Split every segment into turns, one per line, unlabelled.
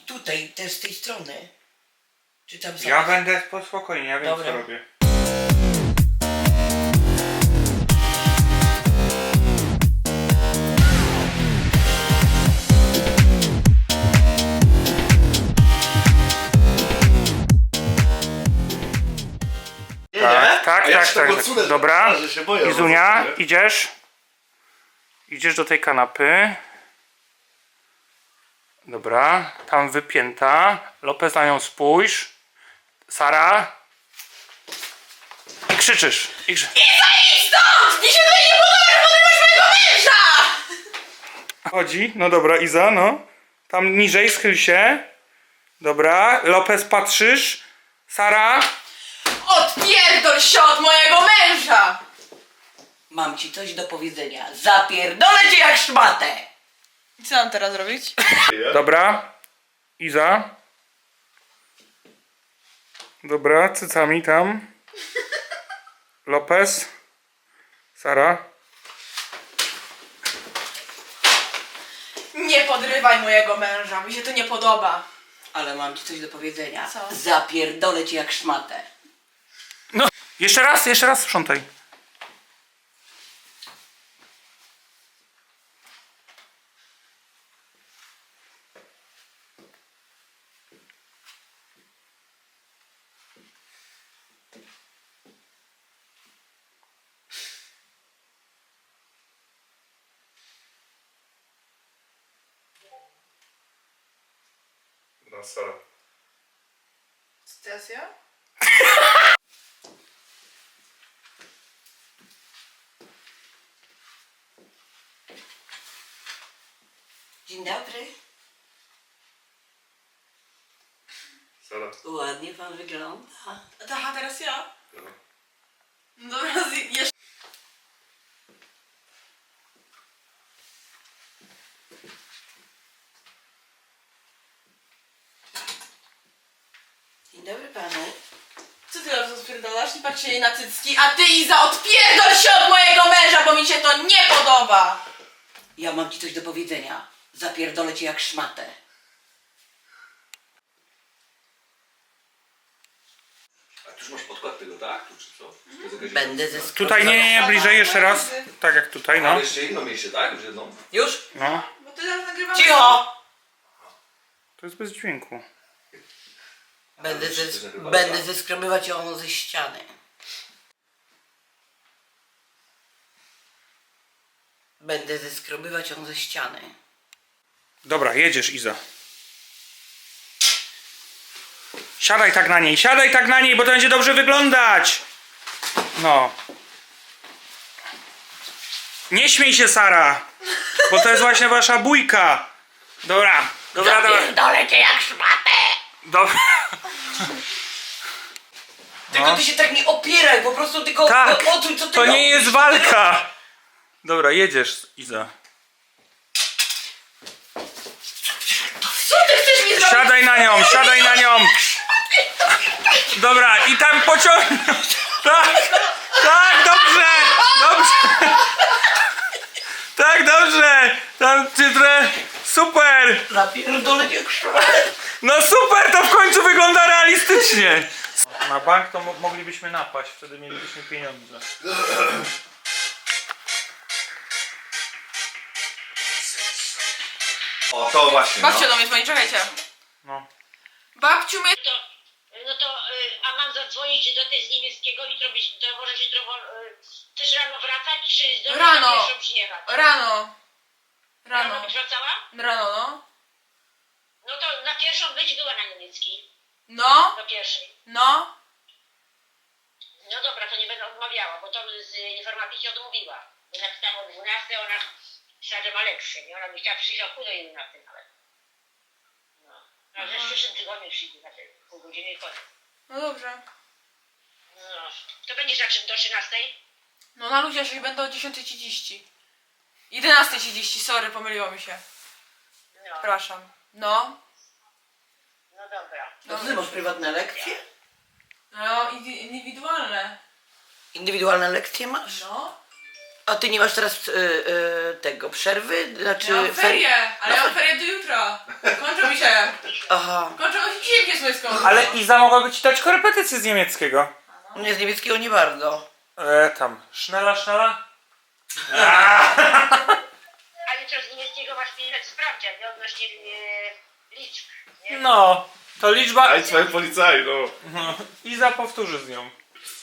tutaj, też z tej strony. Czy tam
Ja będę spokojnie, ja wiem
Dobra.
co robię. Tak. Dobra. Izunia, idziesz? Idziesz do tej kanapy. Dobra, tam wypięta. Lopez, na nią spójrz. Sara. I krzyczysz.
Idź stąd! Mi się tutaj nie podoba, że podrywasz mojego męża!
Chodzi, no dobra, Iza, no. Tam niżej, schyl się. Dobra, Lopez, patrzysz. Sara.
Odpierdol się od mojego męża!
Mam ci coś do powiedzenia. Zapierdolę cię jak szmatę!
I co mam teraz robić?
Dobra. Iza. Dobra, cycami tam. Lopez. Sara.
Nie podrywaj mojego męża, mi się to nie podoba.
Ale mam ci coś do powiedzenia.
Co?
Zapierdolę cię jak szmatę.
No. Jeszcze raz sprzątaj. No, Sara.
Stacja?
Dzień dobry.
Sara.
Ładnie pan wygląda.
Aha, teraz ja? No dobra, jeszcze...
Dzień dobry panu.
Co ty teraz odpierdalasz? Nie patrz się jej na cycki, a ty Iza odpierdol się od mojego męża, bo mi się to nie podoba!
Ja mam ci coś do powiedzenia. Zapierdolę cię jak szmatę.
A tu już masz podkład tego, tak? Tu czy co? To jest jakaś-
Będę ze
Tutaj nie, bliżej jeszcze raz. Tak jak tutaj, no.
Ale jeszcze jedno miejsce, tak? Już jedną?
Już?
No.
Bo ty teraz nagrywamy...
Cicho!
To jest bez dźwięku.
Będę zeskrobywać ją ze ściany. Będę zeskrobywać ją ze ściany.
Dobra, jedziesz, Iza. Siadaj tak na niej, bo to będzie dobrze wyglądać. No. Nie śmiej się, Sara, bo to jest właśnie wasza bójka. Dobra.
Zapierdolę cię jak szmatę!
Dobra.
Tylko ty się tak nie opieraj, po prostu tylko
Tak,
odczuj co ty
to nie
robisz.
jest walka. Dobra, jedziesz, Iza.
Co ty chcesz mi zrobić?
Siadaj na nią. Dobra, i tam pociągnij. Tak, dobrze. Tak, dobrze. Tam cytrę. Super.
Zapierdolę cię jak szmatę!
No super, to w końcu wygląda realistycznie. Na bank to moglibyśmy napaść, wtedy mielibyśmy pieniądze.
O, to właśnie,
Babcia do mnie dzwoni, czekajcie.
No.
Babciu, my...
A mam zadzwonić do tej z niemieckiego i to może jutro też rano wracać, czy zdążysz
Rano.
na pierwszą przyjechać?
Rano.
Rano byś wracała?
Rano, no.
No to na pierwszą być była na niemiecki.
No,
Do pierwszej.
no.
No dobra, to nie będę odmawiała, bo to z informatyki odmówiła. Bo napisałam o 12, ona pisała, że ma lepszy, nie? Ona by chciała przyjść o pół do 11 nawet. No. A że w przyszłym tygodniu przyjdzie na te pół godziny i koniec.
No dobrze.
No. To będziesz na czym do 13?
No na luzie już będę o 10:30. 11:30, sorry, pomyliło mi się.
No.
Przepraszam. No.
No dobra.
No ty masz prywatne lekcje?
No, indywidualne.
Indywidualne lekcje masz?
No.
A ty nie masz teraz tego przerwy? Znaczy
Ja mam ferie, ale ja mam ferie do jutra. Kończą mi się.
Aha.
Kończyło się dziwnie słyską.
Ale Iza mogłaby ci dać korepetycję z niemieckiego.
Nie, z niemieckiego nie bardzo.
Tam. Sznela, sznela?
A jutro z niemieckiego masz pisać sprawdzian, nie? Odnośnie liczb, nie?
No, to liczba...
Aj, twoje policaj, no.
Iza powtórzy z nią.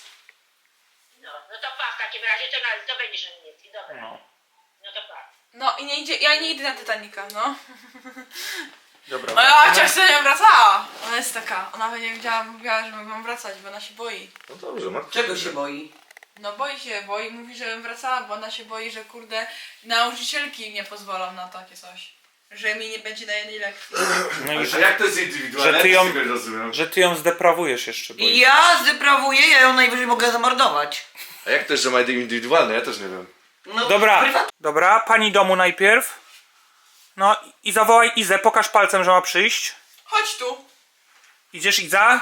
No to pa, w takim razie to będziesz na niemiecki, dobra.
No.
No to pa.
No i ja nie idę na Titanica, no.
Dobra.
No ja chociaż sobie nie wracała. Ona jest taka, ona będzie mówiła, że mam wracać, bo ona się boi.
No dobrze, Marta.
Czego się boi?
No boi, mówi, żebym wracała, bo ona się boi, że kurde nauczycielki nie pozwolą na takie coś. Że mi nie będzie na jednej lekcji.
No i
A jak to jest indywidualne?
że ty ją-
Ja tego nie rozumiem.
że ty ją zdeprawujesz jeszcze, bo...
I ja zdeprawuję, ja ją najwyżej mogę zamordować.
A jak to jest, że ma indywidualne? Ja też nie wiem.
No,
Dobra,
prywatnie.
dobra, pani domu najpierw. No i zawołaj Izę, pokaż palcem, że ma przyjść.
Chodź tu.
Idziesz, Iza?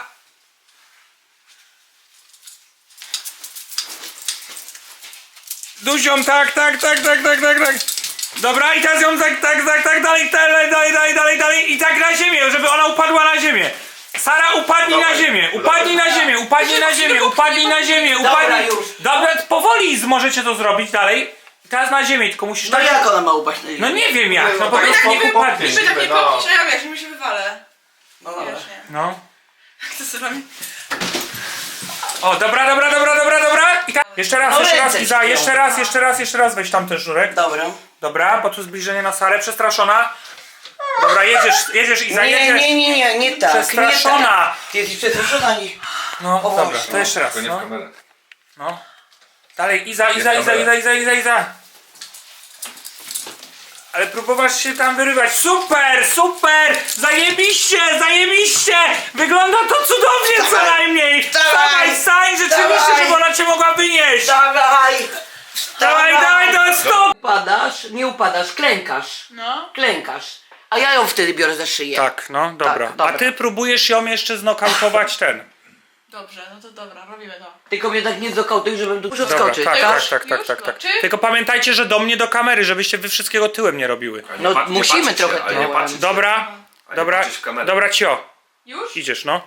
Duzią, tak. Dobra, i teraz ją tak, dalej. I tak na ziemię, żeby ona upadła na ziemię. Sara, upadnij na ziemię, upadnij na ziemię.
Dobra, już.
Dobra, powoli możecie to zrobić dalej. Teraz na ziemię, tylko musisz
No
tak...
jak ona ma upaść na ziemię?
No nie wiem jak, no po
tak
prostu
nie
upadniesz.
Niby tak nie
No.
popniesz, a ja wiesz, mi się wywalę.
No dobra.
Wiesz, nie.
No.
Jak to sobie robi?
O, dobra. I tak, jeszcze raz,
No
Iza,
ręce
jeszcze raz weź tam ten sznurek.
Dobra.
Dobra, bo tu zbliżenie na Sarę, przestraszona. Dobra, jedziesz Iza, jedziesz.
Nie tak.
Przestraszona.
Nie tak. Ty jesteś przestraszona, nie.
No,
O
dobra,
Boże.
to jeszcze raz,
To nie w
no.
kamerę.
No. Dalej, Iza. Ale próbowasz się tam wyrywać. Super! Zajebiście! Wygląda to cudownie co
Dawaj.
najmniej!
Dawaj.
Stań, rzeczywiście,
Dawaj.
żeby ona cię mogła wynieść!
Dawaj!
Dawaj, to jest stop!
Nie upadasz, klękasz.
No.
Klękasz. A ja ją wtedy biorę za szyję.
Tak, no, dobra.
Tak, dobra.
A ty próbujesz ją jeszcze znokautować ten.
Dobrze, no to dobra, robimy to.
Tylko mnie tak nie zakautuj, żebym tu muszę
Dobra,
wskoczyć.
tak.
Już? Czy?
Tylko pamiętajcie, że do mnie do kamery, żebyście wy wszystkiego tyłem nie robiły.
No musimy
patrzeć się,
trochę
ale nie
tyłem.
patrzeć się.
Dobra,
patrzeć w kamerę.
dobra, cio.
Już?
Idziesz, no.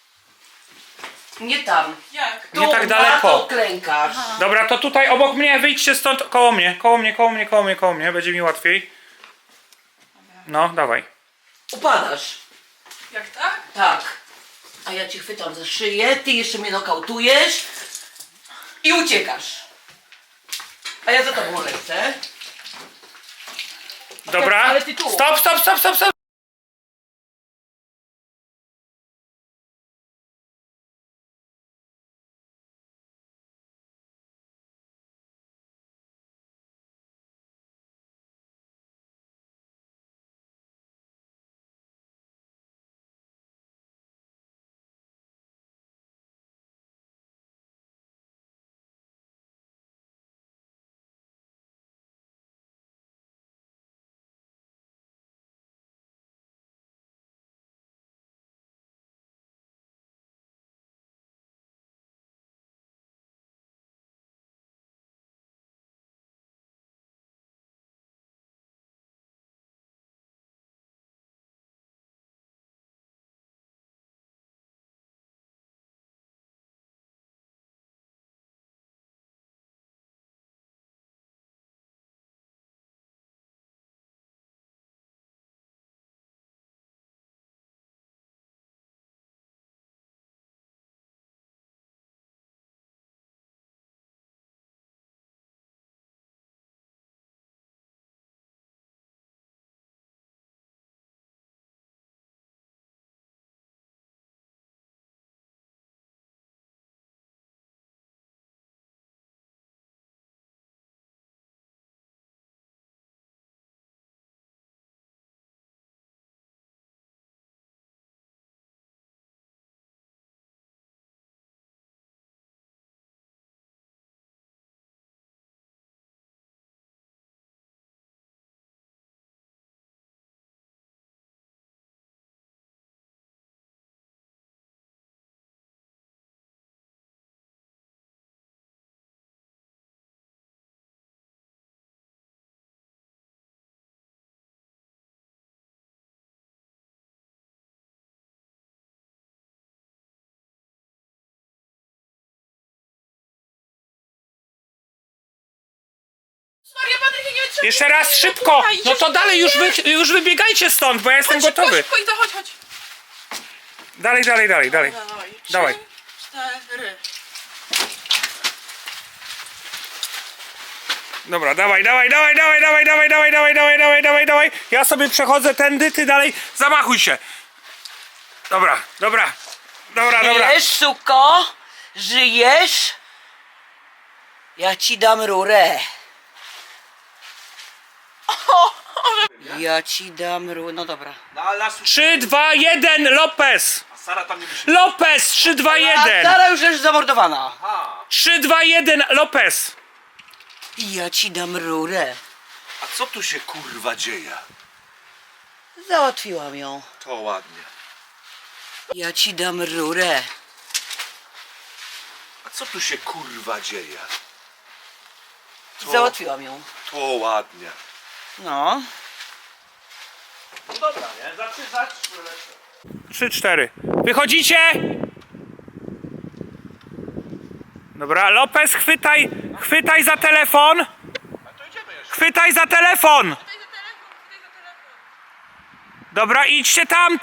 Nie tam.
Jak?
Nie
Tu,
tak
na
daleko.
to klękasz.
Dobra, to tutaj obok mnie, wyjdźcie stąd, koło mnie, będzie mi łatwiej. No, dawaj.
Upadasz.
Jak tak?
Tak. A ja cię chwytam za szyję, ty jeszcze mnie nokautujesz i uciekasz. A ja za tobą lecę.
Dobra,
Ale ty tu.
stop.
Patryk, ja nie wytrzymam.
Jeszcze raz szybko! No to dalej, już wybiegajcie stąd, bo ja jestem
Szybko,
gotowy.
szybko, Iza, chodź.
Dalej.
Dawaj.
Dawaj.
3, 4.
Dobra, dawaj. Ja sobie przechodzę tędy, ty dalej. Zamachuj się. Dobra.
Żyjesz, suko? Żyjesz? Ja ci dam rurę. Ja ci dam rurę. No dobra.
No ale nas
3, 2, 1, Lopez!
A Sara tam nie musi...
Lopez! 3, 2,
A
1!
Sara już jest zamordowana.
Aha.
3, 2, 1, Lopez!
Ja ci dam rurę.
A co tu się kurwa dzieje?
Załatwiłam ją.
To ładnie.
Ja ci dam rurę.
A co tu się kurwa dzieje?
Załatwiłam ją.
To ładnie.
No.
No dobra, nie? Za
3, 4. Wychodzicie? Dobra, Lopez, chwytaj za telefon! Chwytaj za telefon! Dobra, idźcie tam!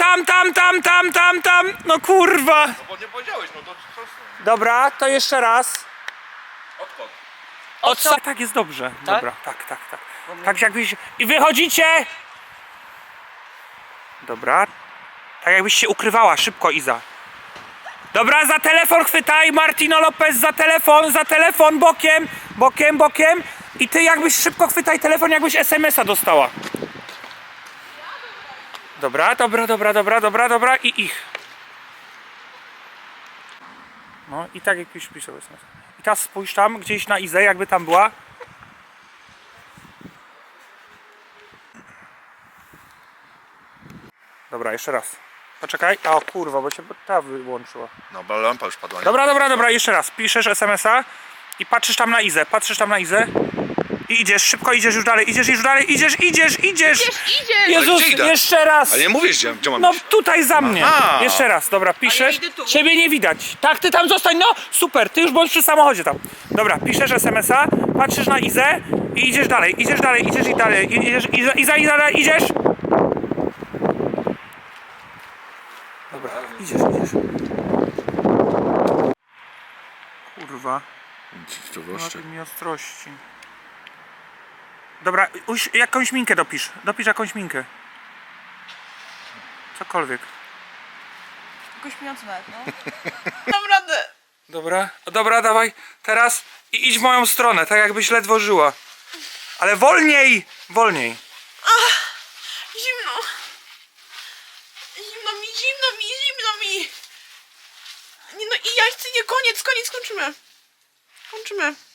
No kurwa!
No bo nie powiedziałeś, no to co?
Dobra, to jeszcze raz.
Odkąd?
Tak jest dobrze.
Tak?
Dobra, tak. Tak jakbyś... I wychodzicie! Dobra. Tak jakbyś się ukrywała, szybko Iza. Dobra, za telefon chwytaj, Martino Lopez, za telefon, bokiem. I ty jakbyś szybko chwytaj telefon, jakbyś SMS-a dostała. Dobra, i ich. No i tak jakbyś pisał SMS. I teraz spójrz tam, gdzieś na Izę, jakby tam była. Dobra, jeszcze raz. Poczekaj. O kurwa, bo cię ta wyłączyła.
No bo lampa już padła, nie?
Dobra, jeszcze raz. Piszesz SMS-a i patrzysz tam na Izę. I idziesz, szybko idziesz już dalej. Idziesz. Jezus,
gdzie idę?
jeszcze raz.
Ale nie mówisz, gdzie mam
No
iść.
tutaj za mnie.
Aha.
Jeszcze raz, dobra, piszesz.
idę tu.
Ciebie nie widać. Tak, ty tam zostań, no super, ty już bądź przy samochodzie tam. Dobra, piszesz SMS-a, patrzysz na Izę i idziesz dalej. Idziesz, idziesz. Dobra, idziesz. Kurwa,
To
na mi ostrości. Dobra, jakąś minkę dopisz. Dopisz jakąś minkę. Cokolwiek.
Jakoś śmiejący nawet, no. Mam radę.
Dobra, dawaj. Teraz i idź w moją stronę, tak jakbyś ledwo żyła. Ale wolniej!
Zimno. Zimno mi. Nie no i ja chcę, nie, koniec, kończymy.